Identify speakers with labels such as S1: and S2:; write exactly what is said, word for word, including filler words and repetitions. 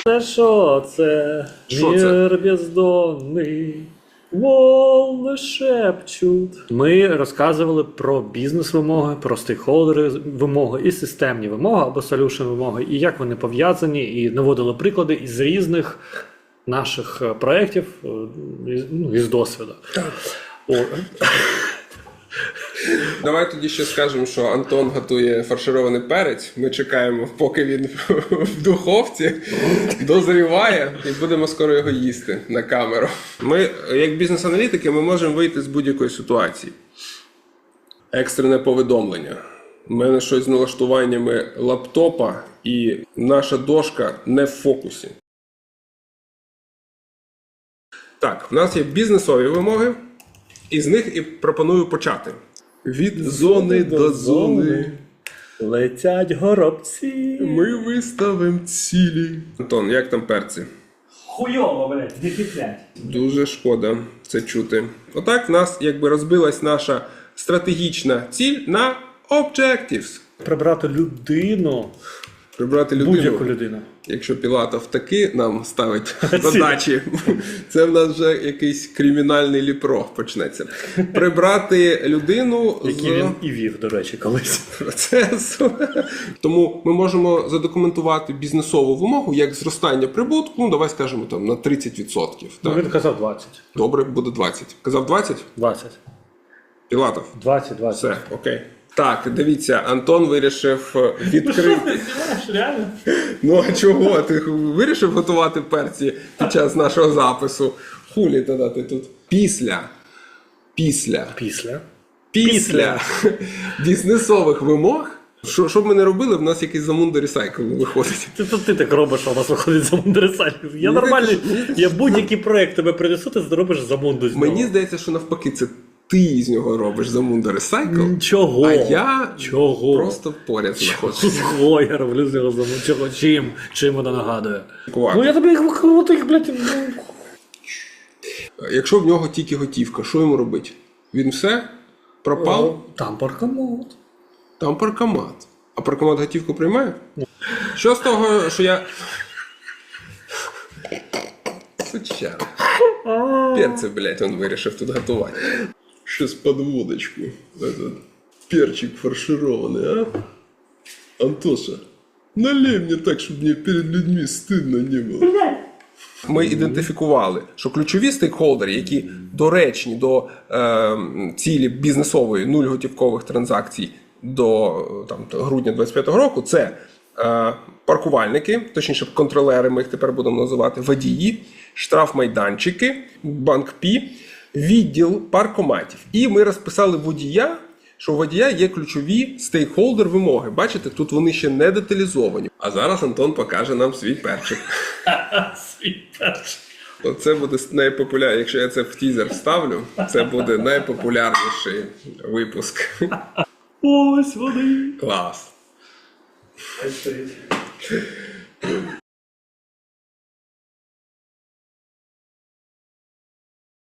S1: Це що це?
S2: Що
S1: Мір бездонний, волни шепчуть. Ми розказували про бізнес-вимоги, про стейкхолдери вимоги і системні вимоги або солюшн вимоги, і як вони пов'язані, і наводили приклади із різних наших проєктів, ну, із досвіду. О.
S2: Давай тоді ще скажемо, що Антон готує фарширований перець. Ми чекаємо, поки він в духовці дозріває, і будемо скоро його їсти на камеру. Ми, як бізнес-аналітики, ми можемо вийти з будь-якої ситуації. Екстрене повідомлення. У мене щось з налаштуваннями лаптопа, і наша дошка не в фокусі. Так, у нас є бізнесові вимоги, і з них і пропоную почати. Від зони до зони
S1: летять горобці.
S2: ми виставимо цілі. Антон, як там перці?
S1: Хуйово, блядь, дефіцять.
S2: Дуже шкода це чути. Отак в нас якби розбилась наша стратегічна ціль на objectives.
S1: Прибрати людину,
S2: Прибрати людину.
S1: будь-яку людину.
S2: Якщо Пілатов таки нам ставить задачі, це в нас вже якийсь кримінальний ліпро почнеться. Прибрати людину з
S1: Який він і вів, до речі, колись.
S2: процесу. Тому ми можемо задокументувати бізнесову вимогу як зростання прибутку, ну давай скажемо там на тридцять відсотків.
S1: Ну,
S2: Так?
S1: він казав двадцять.
S2: Добре, буде двадцять. Казав двадцять?
S1: двадцять.
S2: Пілатов?
S1: двадцять, двадцять.
S2: Все, окей. Так, дивіться, Антон вирішив відкрити.
S1: Реально?
S2: Ну а чого? Ти вирішив готувати перці під час нашого запису? Хулі тоді ти тут. Після. Після.
S1: Після.
S2: Після бізнесових вимог. Що, що б ми не робили, в нас якийсь Замунда Recycle виходить.
S1: Ти, ти, ти так робиш, а у нас виходить Замунда Recycle. Я
S2: Мені
S1: нормальний,
S2: здається,
S1: я будь-який проєкт тебе принесу, ти зробиш Замунду з нього.
S2: Мені здається, що навпаки, це ти з нього робиш Замунда Recycle,
S1: Чого?
S2: а я
S1: Чого?
S2: просто поряд знаходжусь.
S1: Чого я роблю з нього Замунду? Чого? Чим? Чим вона нагадує?
S2: Кувати.
S1: Ну я тобі їх крутих, блядь. ну.
S2: Якщо в нього тільки готівка, що йому робити? Він все? Пропав?
S1: Там паркомат.
S2: Там паркомат. А паркомат готівку приймає? Що з того, що я... Сучара. Перці, блядь, він вирішив тут готувати. Щось під водочку. Этот перчик фарширований, а? Антоша, налей мені так, щоб мені перед людьми стидно не було. Ми ідентифікували, що ключові стейкхолдери, які доречні до е, цілі бізнесової нуль готівкових транзакцій до там, грудня двадцять п'ятого року, це е, паркувальники, точніше контролери, ми їх тепер будемо називати, водії, штрафмайданчики, банк Пі, відділ паркоматів. І ми розписали водія, що у водія є ключові стейкхолдер вимоги. Бачите, тут вони ще не деталізовані. А зараз Антон покаже нам свій перчик.
S1: Свій перчик.
S2: Це буде найпопулярніше, якщо я це в тізер вставлю, це буде найпопулярніший випуск.
S1: Ось вони.
S2: Клас.